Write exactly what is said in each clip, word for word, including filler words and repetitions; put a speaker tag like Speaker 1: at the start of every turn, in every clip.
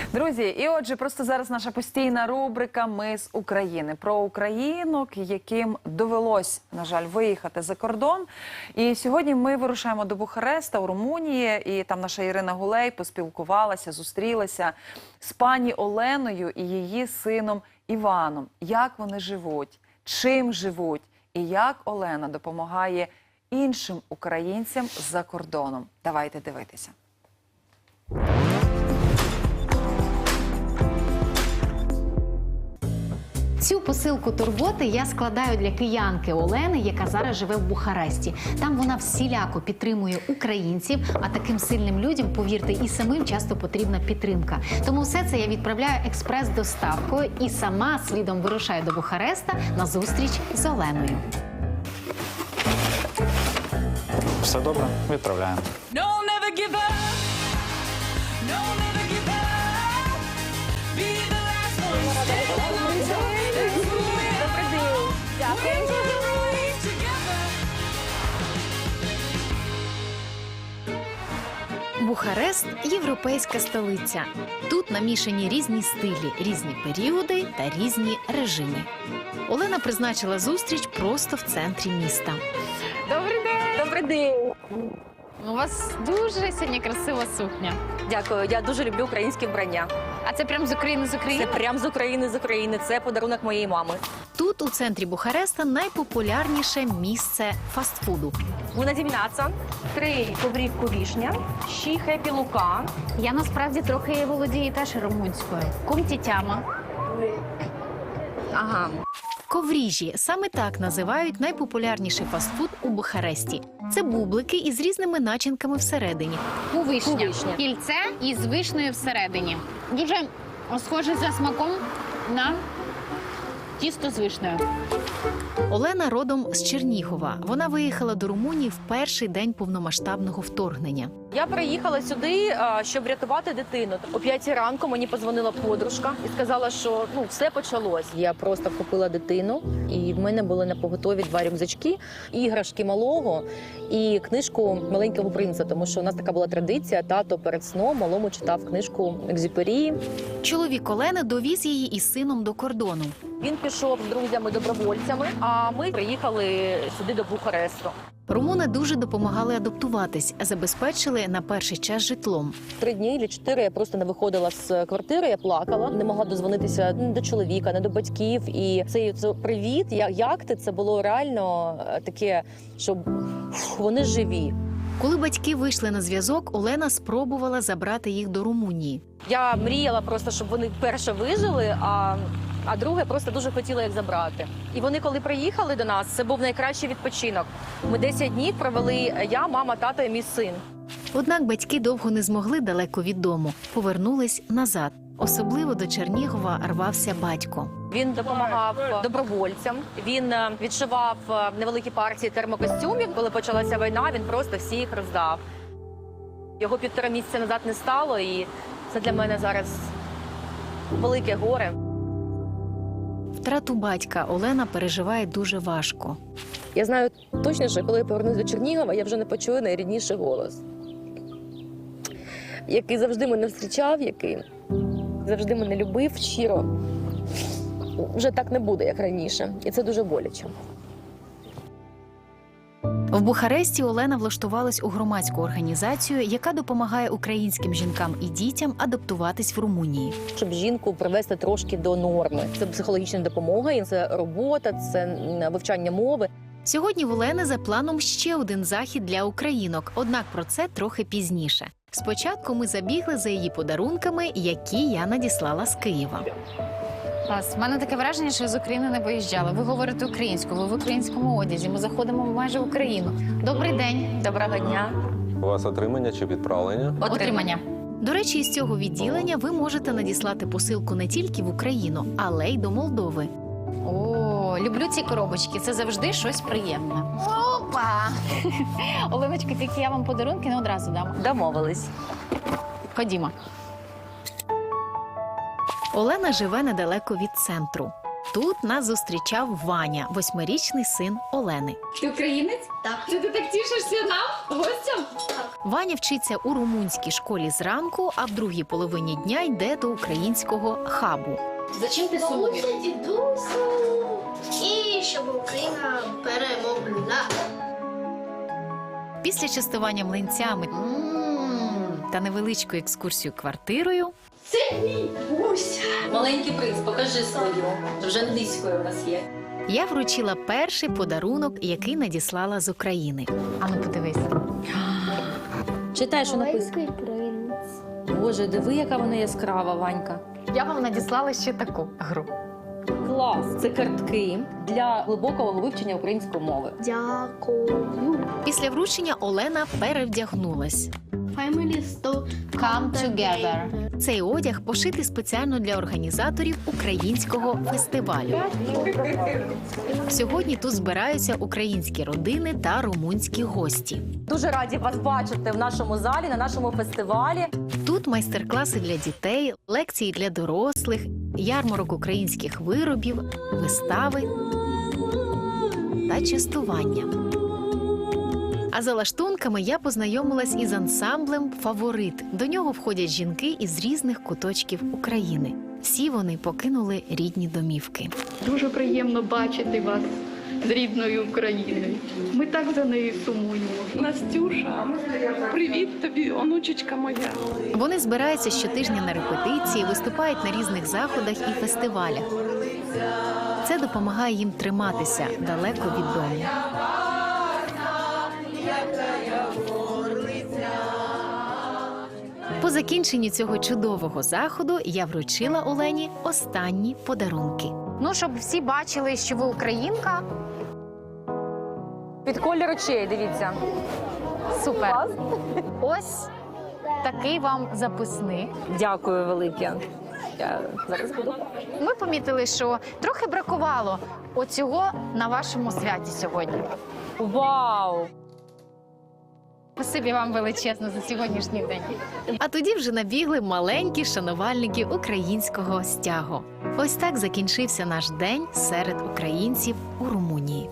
Speaker 1: Друзі, і отже, просто зараз наша постійна рубрика «Ми з України». Про українок, яким довелось, на жаль, виїхати за кордон. І сьогодні ми вирушаємо до Бухареста у Румунії, і там наша Ірина Гулей поспілкувалася, зустрілася з пані Оленою і її сином Іваном. Як вони живуть, чим живуть і як Олена допомагає іншим українцям за кордоном. Давайте дивитися.
Speaker 2: Цю посилку турботи я складаю для киянки Олени, яка зараз живе в Бухаресті. Там вона всіляко підтримує українців, а таким сильним людям, повірте, і самим часто потрібна підтримка. Тому все це я відправляю експрес-доставкою і сама слідом вирушаю до Бухареста на зустріч з Оленою.
Speaker 3: Все добре, відправляємо.
Speaker 2: Бухарест – європейська столиця. Тут намішані різні стилі, різні періоди та різні режими. Олена призначила зустріч просто в центрі міста.
Speaker 4: Добрий день!
Speaker 5: Добрий день!
Speaker 4: У вас дуже сьогодні красива сукня.
Speaker 5: Дякую, я дуже люблю українське вбрання.
Speaker 4: А це прям з України, з України?
Speaker 5: Це прям з України, з України. Це подарунок моєї мами.
Speaker 2: Тут, у центрі Бухареста, найпопулярніше місце фастфуду.
Speaker 5: Bună dimineața! Три коврівку вішня, ші хепі лука.
Speaker 4: Я насправді трохи володію теж румунською. Кумтітяма.
Speaker 5: Ага.
Speaker 2: Ковріжі – саме так називають найпопулярніший фастфуд у Бухаресті. Це бублики із різними начинками всередині.
Speaker 4: Кувишня.
Speaker 5: Кувишня.
Speaker 4: Кільце із вишнею всередині. Дуже схоже за смаком на тісто з вишнею.
Speaker 2: Олена родом з Чернігова. Вона виїхала до Румунії в перший день повномасштабного вторгнення.
Speaker 5: Я приїхала сюди, а, щоб врятувати дитину. О п'ятій ранку мені подзвонила подружка і сказала, що ну все почалось. Я просто купила дитину, і в мене були на поготові два рюкзачки, іграшки малого і книжку «Маленького принца», тому що у нас така була традиція. Тато перед сном малому читав книжку Екзюпері.
Speaker 2: Чоловік Олени довіз її із сином до кордону.
Speaker 5: Він пішов з друзями-добровольцями, а ми приїхали сюди до Бухаресту.
Speaker 2: Румуни дуже допомагали адаптуватись, забезпечили на перший час житлом.
Speaker 5: Три дні чи чотири я просто не виходила з квартири, я плакала, не могла дозвонитися ні до чоловіка, ні до батьків. І цей це привіт, я- як ти, це було реально е, таке, що фу, вони живі.
Speaker 2: Коли батьки вийшли на зв'язок, Олена спробувала забрати їх до Румунії.
Speaker 5: Я мріяла просто, щоб вони перше вижили, а, а друге просто дуже хотіла їх забрати. І вони, коли приїхали до нас, це був найкращий відпочинок. Ми десять днів провели я, мама, тато і мій син.
Speaker 2: Однак батьки довго не змогли далеко від дому, повернулись назад. Особливо до Чернігова рвався батько.
Speaker 5: Він допомагав добровольцям, він е, відшивав е, невеликі партії термокостюмів. Коли почалася війна, він просто всі їх роздав. Його півтора місяця назад не стало, і це для мене зараз велике горе.
Speaker 2: Втрату батька Олена переживає дуже важко.
Speaker 5: Я знаю точно, що коли я повернусь до Чернігова, я вже не почую найрідніший голос, який завжди мене зустрічав, який завжди мене любив щиро. Вже так не буде, як раніше. І це дуже боляче.
Speaker 2: В Бухаресті Олена влаштувалась у громадську організацію, яка допомагає українським жінкам і дітям адаптуватись в Румунії.
Speaker 5: Щоб жінку привести трошки до норми. Це психологічна допомога, це робота, це вивчання мови.
Speaker 2: Сьогодні в Олени за планом ще один захід для українок, однак про це трохи пізніше. Спочатку ми забігли за її подарунками, які я надіслала з Києва.
Speaker 4: Клас. У мене таке враження, що я з України не виїжджала. Ви говорите українською, ви в українському одязі. Ми заходимо майже в Україну. Добрий день.
Speaker 5: Доброго дня.
Speaker 6: У вас отримання чи відправлення?
Speaker 4: Отримання.
Speaker 2: До речі, із цього відділення ви можете надіслати посилку не тільки в Україну, але й до Молдови.
Speaker 4: О, люблю ці коробочки. Це завжди щось приємне. Опа! Оленочка, тільки я вам подарунки не одразу дам.
Speaker 5: Домовились.
Speaker 4: Ходімо.
Speaker 2: Олена живе недалеко від центру. Тут нас зустрічав Ваня, восьмирічний син Олени.
Speaker 7: Ти українець? Так. Це ти так тішишся нам, гостям? Так.
Speaker 2: Ваня вчиться у румунській школі зранку, а в другій половині дня йде до українського хабу.
Speaker 4: За чим ти
Speaker 7: Бабуся, дідусю. І щоб Україна перемогла.
Speaker 2: Після частування млинцями та невеличкою екскурсією квартирою
Speaker 7: Це мій Буся.
Speaker 5: Маленький принц, покажи свою. Вже англійською у нас є.
Speaker 2: я вручила перший подарунок, який надіслала з України.
Speaker 4: Ану, подивись.
Speaker 5: Читай, що написано.
Speaker 7: Маленький принц.
Speaker 5: Боже, диви, яка вона яскрава, Ванька.
Speaker 4: Я вам надіслала ще таку гру.
Speaker 5: Клас! Це картки для глибокого вивчення української мови.
Speaker 7: Дякую.
Speaker 2: Після вручення Олена перевдягнулась.
Speaker 7: Family store.
Speaker 4: Come together.
Speaker 2: Цей одяг пошитий спеціально для організаторів українського фестивалю. Сьогодні тут збираються українські родини та румунські гості.
Speaker 5: Дуже раді вас бачити в нашому залі, на нашому фестивалі.
Speaker 2: Тут майстер-класи для дітей, лекції для дорослих, ярмарок українських виробів, вистави та частування. А за лаштунками я познайомилась із ансамблем «Фаворит». До нього входять жінки із різних куточків України. Всі вони покинули рідні домівки.
Speaker 8: Дуже приємно бачити вас з рідною Україною. Ми так за нею сумуємо. Настюша, привіт тобі, онучечка моя.
Speaker 2: Вони збираються щотижня на репетиції, виступають на різних заходах і фестивалях. Це допомагає їм триматися далеко від дому. По закінченню цього чудового заходу я вручила Олені останні подарунки.
Speaker 4: Ну, щоб всі бачили, що ви українка.
Speaker 5: Під колір очей, дивіться.
Speaker 4: Супер. Ось такий вам записник.
Speaker 5: Дякую велике. Я зараз буду.
Speaker 4: Ми помітили, що трохи бракувало оцього на вашому святі сьогодні.
Speaker 5: Вау!
Speaker 4: Спасибі вам величезно за сьогоднішній день.
Speaker 2: А тоді вже набігли маленькі шанувальники українського стягу. Ось так закінчився наш день серед українців у Румунії.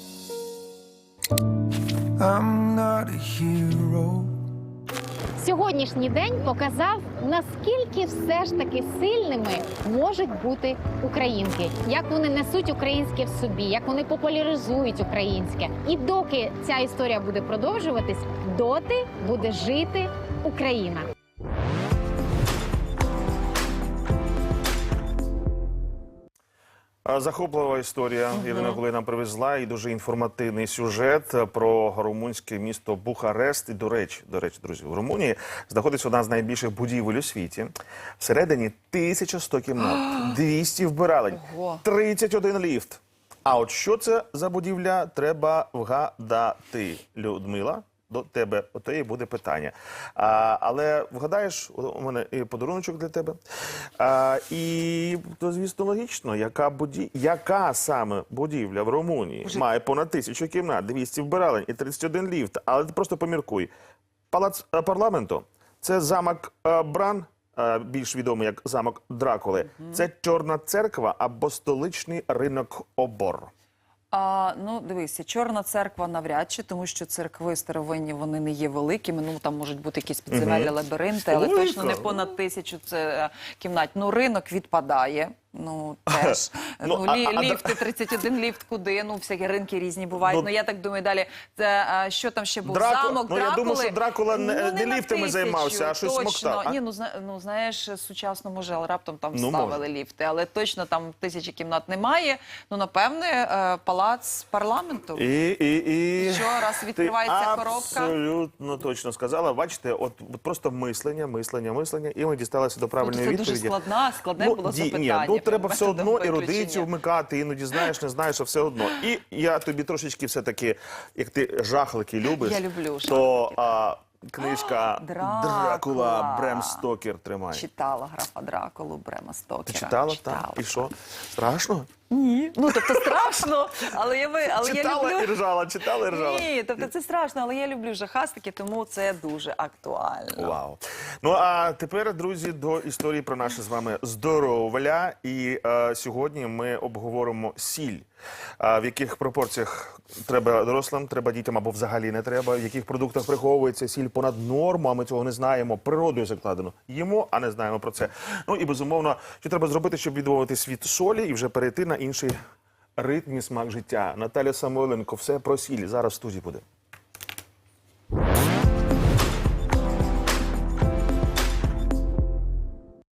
Speaker 9: I'm not a hero.
Speaker 4: Сьогоднішній день показав, наскільки все ж таки сильними можуть бути українки, як вони несуть українське в собі, як вони популяризують українське. І доки ця історія буде продовжуватись, доти буде жити Україна.
Speaker 10: Захоплива історія. Ірина Гулей нам привезла і дуже інформативний сюжет про румунське місто Бухарест. І, до речі, до речі, друзі, в Румунії знаходиться одна з найбільших будівель у світі. Всередині тисяча сто кімнат, двісті вбиралень, тридцять один ліфт. А от що це за будівля, треба вгадати. Людмила, до тебе ото і буде питання. А, але вгадаєш, у мене і подаруночок для тебе. А, і, то, звісно, логічно, яка, буді... яка саме будівля в Румунії
Speaker 1: Боже.
Speaker 10: має понад тисячу кімнат, двісті вбиралень і тридцять один ліфт. Але ти просто поміркуй. Палац е, парламенту – це замок е, Бран, е, більш відомий як замок Дракули. Mm-hmm. Це Чорна церква або столичний ринок Обор.
Speaker 1: А, ну, дивися, Чорна церква навряд чи, тому що церкви старовинні, вони не є великими. Ну, там можуть бути якісь підземелі
Speaker 10: Мгм.
Speaker 1: лабіринти, але
Speaker 10: Ой,
Speaker 1: точно не
Speaker 10: так.
Speaker 1: понад тисячу це е, кімнат. Ну, ринок відпадає. Ну, теж.
Speaker 10: Ну,
Speaker 1: Ну,
Speaker 10: а-
Speaker 1: лі,
Speaker 10: а-
Speaker 1: ліфти, тридцять один ліфт куди? Ну, всякі ринки різні бувають.
Speaker 10: Ну,
Speaker 1: Ну, я так думаю, далі, це, а, що там ще був?
Speaker 10: Драку-
Speaker 1: Замок
Speaker 10: ну, я
Speaker 1: Дракули?
Speaker 10: думаю, що Дракула не-
Speaker 1: Ну,
Speaker 10: не
Speaker 1: на
Speaker 10: ліфтами
Speaker 1: тисячу,
Speaker 10: займався, а щось
Speaker 1: точно.
Speaker 10: смоктав, а?
Speaker 1: Ні, ну, зна, ну, знаєш, сучасно, може, але раптом там
Speaker 10: Ну,
Speaker 1: ставили
Speaker 10: може.
Speaker 1: ліфти. Але точно там тисячі кімнат немає. Ну, напевне, е, палац парламенту.
Speaker 10: І, і, і...
Speaker 1: Що, раз відкривається
Speaker 10: Ти
Speaker 1: коробка?
Speaker 10: абсолютно точно сказала. Бачите, от, от просто мислення, мислення, мислення, і ми дісталися до правильної
Speaker 1: Це
Speaker 10: відповіді.
Speaker 1: дуже складна, складне
Speaker 10: Ну,
Speaker 1: було
Speaker 10: ді-
Speaker 1: запитання.
Speaker 10: Ні, ну треба
Speaker 1: прям
Speaker 10: все
Speaker 1: методом
Speaker 10: одно
Speaker 1: виключення.
Speaker 10: ерудицію вмикати, іноді знаєш, не знаєш, а все одно. І я тобі трошечки все-таки, як ти жахлики любиш,
Speaker 1: Я люблю
Speaker 10: то
Speaker 1: жахлики.
Speaker 10: а, книжка
Speaker 1: Дракула.
Speaker 10: Дракула Брем Стокер тримає.
Speaker 1: Читала графа Дракулу Брема Стокера.
Speaker 10: Ти читала? Так. І що? Страшно?
Speaker 1: Ні. Ну, тобто страшно, але я, ви- але я
Speaker 10: Читала і
Speaker 1: люблю...
Speaker 10: ржала, читала і ржала.
Speaker 1: Ні, тобто це страшно, але я люблю жахастики, тому це дуже актуально.
Speaker 10: Вау. Ну а тепер, друзі, до історії про наше з вами здоров'я. І е, сьогодні ми обговоримо сіль. А в яких пропорціях треба дорослим, треба дітям або взагалі не треба, в яких продуктах приховується сіль понад норму, а ми цього не знаємо, природою закладено. Їмо, а не знаємо про це. Ну і безумовно, що треба зробити, щоб відмовитись від солі і вже перейти на інший ритм і смак життя. Наталя Самойленко, все про сіль. Зараз в студії буде.